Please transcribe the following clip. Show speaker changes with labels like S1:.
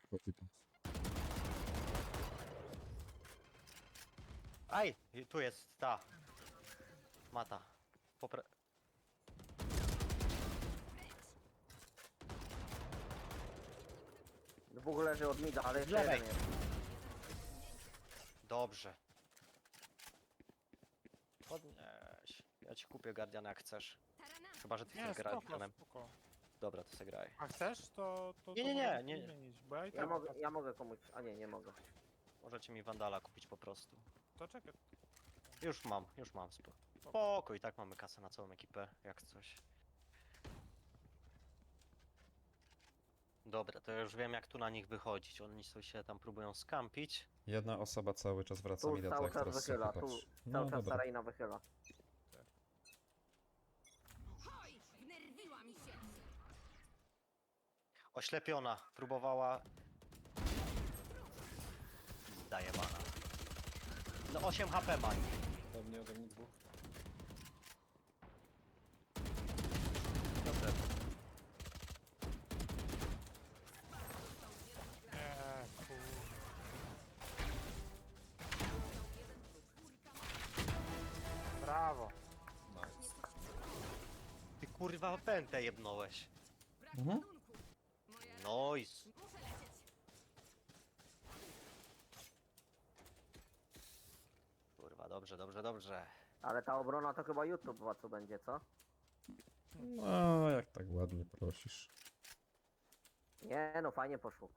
S1: Kopyta.
S2: Aj! Tu jest ta. Mata.
S3: Dwóch leży od mida, ale
S2: Z
S3: jeszcze
S2: lewej.
S3: jeden jest.
S2: Dobrze. Podnieś. Ja ci kupię Guardiana jak chcesz. Chyba, że ty
S4: Nie,
S2: chcesz grać
S4: spoko,
S2: Guardianem.
S4: spoko.
S2: Dobra, to se graj.
S4: A chcesz, to
S2: Nie, nie,
S4: możemy
S2: nie, nie.
S4: zmienić, bo ja i
S3: Ja
S4: tak...
S3: mogę komuś... A nie, nie mogę.
S2: Możecie mi Wandala kupić po prostu.
S4: To czekaj.
S2: Już mam spoko. I tak mamy kasę na całą ekipę, jak coś. Dobra, to ja już wiem jak tu na nich wychodzić. Oni sobie się tam próbują skampić.
S1: Jedna osoba cały czas wraca
S3: Tu
S1: mi do
S3: cały
S1: tak,
S3: czas
S1: teraz sobie
S3: wychyla, tu
S1: popatrz.
S3: cały
S1: No
S3: czas
S1: dobra.
S3: Sarajna wychyla.
S5: Hoj, wnerwiła mi się.
S2: Oślepiona, próbowała... Daje bana. No 8 HP ma.
S6: Ode mnie dwóch.
S2: Dobrze.
S4: Nie, kur... Brawo.
S6: Nice.
S2: Ty kurwa pętę jebnąłeś.
S5: Brak
S1: Mhm.
S5: ładunku. Moja...
S2: Nice.
S5: Muszę lecieć.
S2: Kurwa, dobrze.
S3: Ale ta obrona to chyba YouTube co będzie, co?
S1: No, jak tak ładnie prosisz.
S3: Nie no, fajnie poszło.